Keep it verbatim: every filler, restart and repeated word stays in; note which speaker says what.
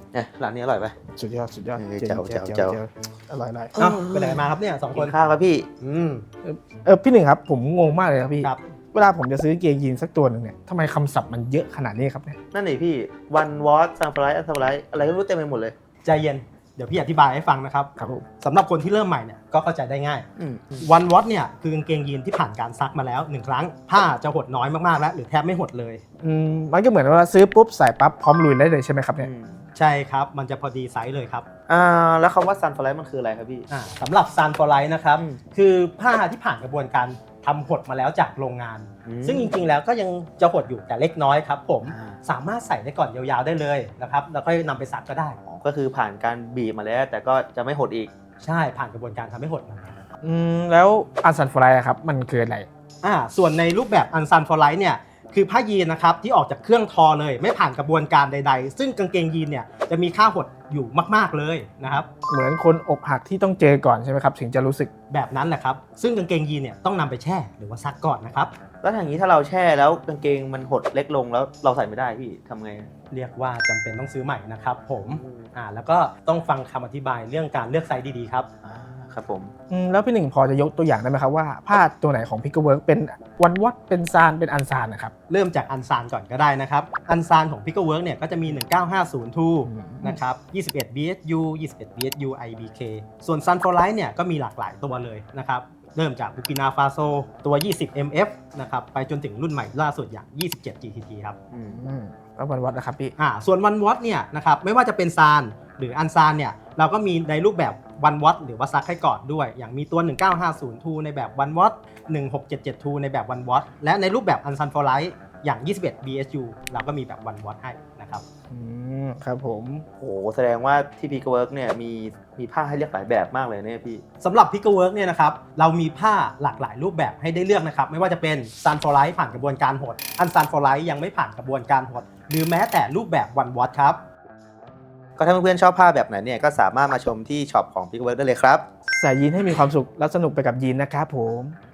Speaker 1: เนี่ยร้านนี้อร่อยไหม
Speaker 2: สุดยอดสุดยอด
Speaker 1: เจ้าเจ้าเจ้า
Speaker 2: อร่อยอร่อย
Speaker 3: เอ้าไปไหนมาครับเนี่ยสองคน
Speaker 1: ข้าวครับพี่
Speaker 3: อืม
Speaker 2: เออพี่หนึ่งครับผมงงมากเลยครับพี่
Speaker 3: ครับ
Speaker 2: เวลาผมจะซื้อเกงยีนสักตัวหนึ่งเนี่ยทำไมคำศัพท์มันเยอะขนาดนี้ครับเนี่ย
Speaker 1: นั่นเองพี่วันวอตซันฟลายอัลซันฟลายอะไรก็รู้เต็มไปหมดเลย
Speaker 3: ใจเย็นเดี๋ยวพี่อธิบายให้ฟังนะครับ
Speaker 2: ครับผม
Speaker 3: สำหรับคนที่เริ่มใหม่เนี่ยก็เข้าใจได้ง่าย
Speaker 1: อืม
Speaker 3: วันวอตเนี่ยคือกางเกงยีนที่ผ่านการซักมาแล้วหนึ่งครั้งผ้าจะหดน้อยมากๆแล้วหรือแทบไม่หดเลย
Speaker 2: อืมมันก็เหมือนว่าซื้อปุ๊บใส่ปั๊บพร้อมลุยได้เลยใช่ไหมครับเนี่ย
Speaker 3: ใช่ครับมันจะพอดีไซส์เลยครับ
Speaker 1: อ่าแล้วคำว่าซันฟลายมันคืออะไรครับพี่
Speaker 3: อ่าสำหรับซันฟอร์ไลท์นะครับ
Speaker 1: อืม
Speaker 3: คือผ้าที่ผ่านกระบวนการทำหดมาแล้วจากโรงงาน
Speaker 1: อืม
Speaker 3: ซึ่งจริงๆแล้วก็ยังจะหดอยู่แต่เล็กน้อยครับผม
Speaker 1: อ่า
Speaker 3: สามารถใส่ได้ก่อนยาวๆได้เลยนะครับแล้วค่อยนำไปซักก็ได้
Speaker 1: อ๋อก็คือผ่านการบีบมาแล้ว แต่ก็จะไม่หดอีก
Speaker 3: ใช่ผ่านกระบวนการทำให้หดมา
Speaker 2: อืมแล้วอันซันฟลายครับมันคืออะไร
Speaker 3: อ่าส่วนในรูปแบบอันซันฟอร์ไลท์เนี่ยคือผ้ายีนนะครับที่ออกจากเครื่องทอเลย ไม่ผ่านกระบวนการใดๆ ซึ่งกางเกงยีนเนี่ยจะมีค่าหดอยู่มากๆเลยนะครับ
Speaker 2: เหมือนคนอกหักที่ต้องเจอก่อนใช่ไหมครับถึงจะรู้สึก
Speaker 3: แบบนั้นแหละครับซึ่งกางเกงยีนเนี่ยต้องนำไปแช่หรือว่าซักก่อนนะครับ
Speaker 1: แล้วอย่างนี้ถ้าเราแช่แล้วกางเกงมันหดเล็กลงแล้วเราใส่ไม่ได้พี่ทำไง
Speaker 3: เรียกว่าจำเป็นต้องซื้อใหม่นะครับผม
Speaker 1: อืม
Speaker 3: อ่าแล้วก็ต้องฟังคำอธิบายเรื่องการเลือกไซส์ดีๆครับ
Speaker 1: อ่าครับผม
Speaker 2: อืมแล้วพี่หนึ่งพอจะยกตัวอย่างได้ไหมครับว่าผ้าตัวไหนของพิกเกอร์เวิร์กเป็นวันวัดเป็นซานเป็นอันซานนะครับ
Speaker 3: เริ่มจากอันซานก่อนก็ได้นะครับอันซานของ Pickle Work เนี่ยก็จะมี หนึ่งเก้าห้าศูนย์ ทู
Speaker 2: อืม
Speaker 3: นะครับ ยี่สิบเอ็ด บี เอส ยู ยี่สิบเอ็ด บี เอส ยู ไอ บี เค ส่วน Sun for Light เนี่ยก็มีหลากหลายตัวเลยนะครับเริ่มจาก Burkina Faso ตัว ยี่สิบ เอ็ม เอฟ นะครับไปจนถึงรุ่นใหม่ล่าสุดอย่าง ยี่สิบเจ็ด จี ที ที ครับ
Speaker 1: อืม
Speaker 2: อืมแล้ววันวัดนะครับพี่
Speaker 3: อ่าส่วนวันวอตเนี่ยนะครับไม่ว่าจะเป็นซานหรืออันซานเนี่ยเราก็มีในรูปแบบวันวอตหรือว่าซักให้ก่อนด้วย อย่างมีตัว หนึ่งเก้าห้าศูนย์ ทู ในแบบวันวอตหนึ่งหกเจ็ดเจ็ด ทู ในแบบวันวอตและในรูปแบบอันซันฟอร์ไลท์อย่าง ยี่สิบเอ็ด บี เอส ยู เราก็มีแบบวันวอตให้นะครับ
Speaker 2: อืมครับผม
Speaker 1: โอ้แสดงว่าที่พีกเวิร์กเนี่ยมีมีผ้าให้เลือกหลายแบบมากเลยเนี่ยพี่
Speaker 3: สำหรับ Pickle Work เนี่ยนะครับเรามีผ้าหลากหลายรูปแบบให้ได้เลือกนะครับไม่ว่าจะเป็น Sun for Light ผ่านกระบวนการหดอัน Sun for Light ยังไม่ผ่านกระบวนการหดหรือแม้แต่รูปแบบวันวอตครับ
Speaker 1: ก็ถ้าเพื่อนๆชอบผ้าแบบไหนเนี่ยก็สามารถมาชมที่ช็อปของพีกเวิร์กได้เลยครับ
Speaker 2: ใส่ยีนให้มีความสุขและสนุกไปกับยีนนะครับผม